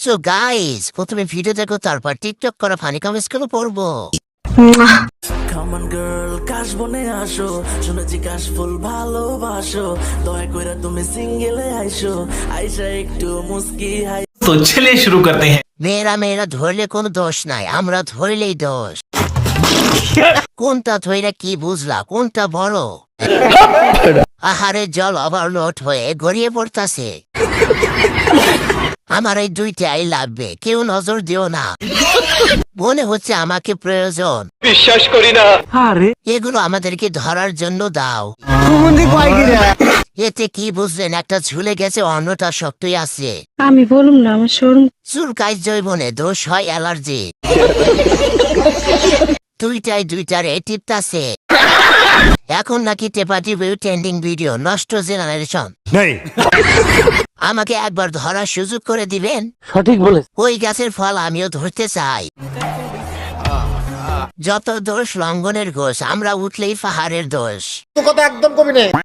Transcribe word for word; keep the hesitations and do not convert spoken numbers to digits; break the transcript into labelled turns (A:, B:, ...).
A: So guys, প্রথমে video দেখো, তারপর টিকটক করা ফানি কমেন্টস গুলো পড়বো।
B: Come on girl, কাশ বনে আসো, শুনেছি কাশ ফুল ভালোবাসো, দয়া কইরা তুমি সিঙ্গেলে আইসো, আইসা একটু মুস্কি হাই।
C: तो चलिए शुरू करते हैं।
A: মেয়েরা মেয়েরা ধরলে কোনো দোষ নাই, আমরা ধরলেই দোষ। কোনটা ধইরা কি বুঝলা, কোনটা বড়? আহারে জল ওভারলোড হয়ে গড়িয়ে পড়তাছে। আমার এই দুইটাই লাগবে, কেউ নজর দিও না। মনে হচ্ছে আমাকে প্রয়োজন,
D: বিশ্বাস করি না।
A: এগুলো আমাদেরকে ধরার জন্য দাও। এতে কি বুঝলেন, একটা ঝুলে গেছে, অন্যটা শক্তই আছে।
E: আমি বলুম না, আমার শোরুম
A: চুলকায় জৈবনে দোষ হয় অ্যালার্জি। দুইটাই দুইটারে টিপতাছে। এখন নাকি টেপাটি ভিউ ট্রেন্ডিং ভিডিও, নষ্ট জেনারেশন। আমাকে একবার ধরার সুযোগ করে দিবেন?
D: সঠিক বলে।
A: ওই গাছের ফল আমিও ধরতে চাই। যত দোষ লঙ্ঘনের ঘোষ, আমরা উঠলেই পাহাড়ের দোষ।
D: কথা একদম কবি নেই।